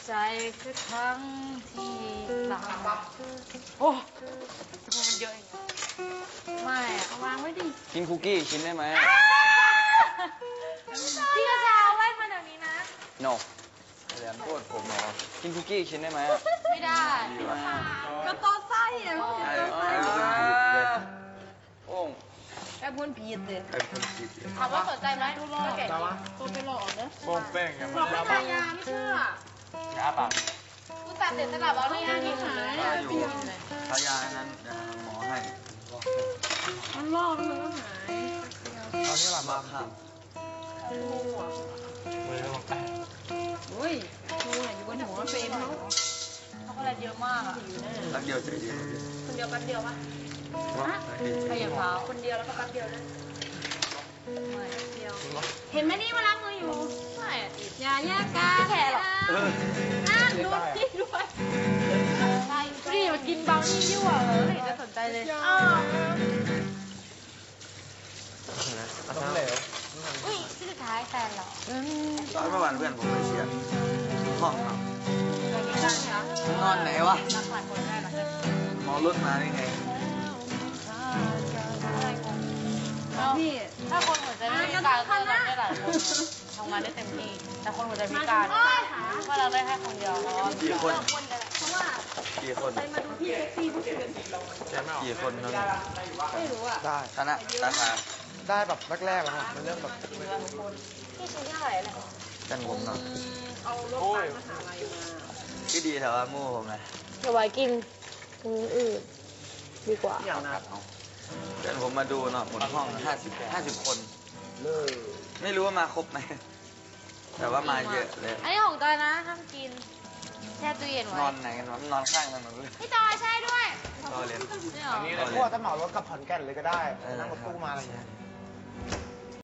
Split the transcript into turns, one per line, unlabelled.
ใจคือครั้งที่หลังโอ้มันเยอะอย่างเงี้ยไม่เอาวางไว้ดิ
กินคุกกี้ชิ้นได้ไหม
พี่กระชาไว้มาเดี๋ยวนี้นะ
no แหลมโทษผมเหรอกินคุกกี้ชิ้นได้ไหม
ไม่ได้ก็ต้อไส้อะมันคือต้อไส้
โอ้ง
แอบคนผิดเลย
ไอ้คนผิด
ถามว่าสนใจไหมดูรอแกะตัวไปหลอกนะ
โป้งเป้งอย่าง
หลอกไม่ทายาไม่เชื่อ
ช้าปาก
กูตัดเด็ดสลับเอาไม่ยากกินเลย
ถ้าอยู่ทายานั้นเดี๋ยวหมอให้
มันลอกมันก็หาย
ตอนนี้หลับ
มา
มา
ครับ
มือลงแตะ
อุ้ยกูเนี่ยอยู่บนหัวเฟรมเขาช็อกโกแลตเยอะมากอ่ะ
รักเดียวใจเดียว
คนเดียวแป๊บเดียวปะขยับเท้าคนเดียวแล้วก็แป๊บเดียวนะไม่เดียวเห็นไหมนี่มาล้างมืออยู่ไม่อย่าแยกกันแผลหรอนั่นดูสิด้วยนี่มากินเบานี่ยั่วเหรอไม่เห็นจะสนใจเลย
ล้มเหลว
อุ้ยที่สุดท้ายแฟนเหรอ
ตอนเมื่อวานเพื่อนผมไปเชียร์ห้องครับ
อะไรไม่ได้เหรอน
อนไหนวะ
รักหลายคนได้หรอ
หมอรถมาได้ไง
พี่ถ้าคนหัวใจไม่พิการก็รักได้หลายคนทำงานได้เต็มที่แต่คนหัวใจพิการก็รักได้แค่คนเดียวเพราะว่า
กี่คน
เพราะว่า
กี่คน
ไปมาดูพี่เซ็กซี่ทุกคืน
กี่คนนั้น
ไม่รู้อ่ะ
ได้
คณะสาขา
ได้แบบแรกๆแล้วครับมันเริ่มแบบ
พี่ชิ้นเท่าไหร่เนี่ย
กันผมเนาะ
เอารถไปมหาลัยมา
ก็ดีแต่ว่ามู่ผมนะ
เดี๋ยวไว้กินอื่นดีกว่า
อย่างนั้น
เพื่อนผมมาดูเนาะหมดห้อง50 คนไม่รู้ว่ามาครบไหมแต่ว่ามาเยอะเลย
อันนี้ของจอยนะห้ามกินแช่ตู้เย็นไว้
นอนไหนกันวะนอนข้างถนนเลย
พี่จอยใช่ด้วย
รอเรียน
นี่เหรอ
อันนี้เราพวกจะเหมารถกับขอนแก่นเลยก็ได้นั่งรถตู้มาอะไรอย่างเงี้ย